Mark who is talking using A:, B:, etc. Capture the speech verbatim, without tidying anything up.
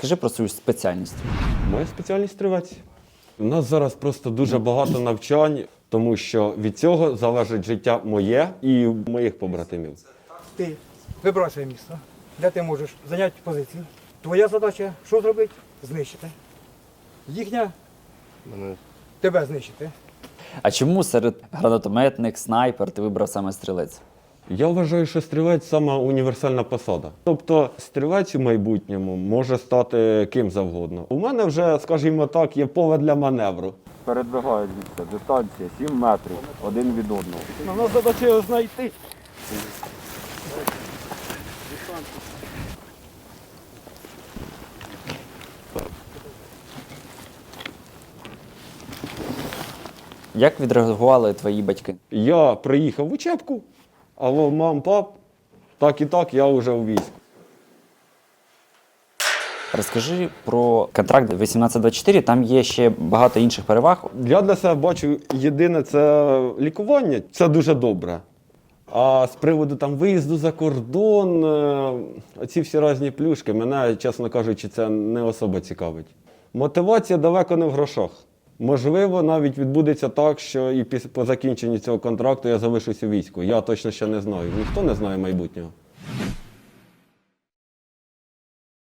A: Розкажи про свою спеціальність.
B: Моя спеціальність стрілець. У нас зараз просто дуже багато навчань, тому що від цього залежить життя моє і моїх побратимів.
C: Ти вибрав своє місто, де ти можеш зайняти позицію. Твоя задача що зробити? Знищити. Їхня тебе знищити.
A: А чому серед гранатометник, снайпер ти вибрав саме стрілець?
B: Я вважаю, що стрілець – сама універсальна посада. Тобто стрілець у майбутньому може стати ким завгодно. У мене вже, скажімо так, є поле для маневру.
D: Передвигають звідси. Дистанція сім метрів один від одного.
B: У нас задача його знайти.
A: Як відреагували твої батьки?
B: Я приїхав в учебку, алло, мам, пап, так і так, я вже у війську.
A: Розкажи про контракт вісімнадцять двадцять чотири, там є ще багато інших переваг.
B: Я для себе бачу, єдине це лікування, це дуже добре. А з приводу там виїзду за кордон, е, ці всі різні плюшки, мене, чесно кажучи, це не особо цікавить. Мотивація далеко не в грошах. Можливо, навіть відбудеться так, що і після, по закінченні цього контракту я залишусь у війську. Я точно ще не знаю. Ніхто не знає майбутнього.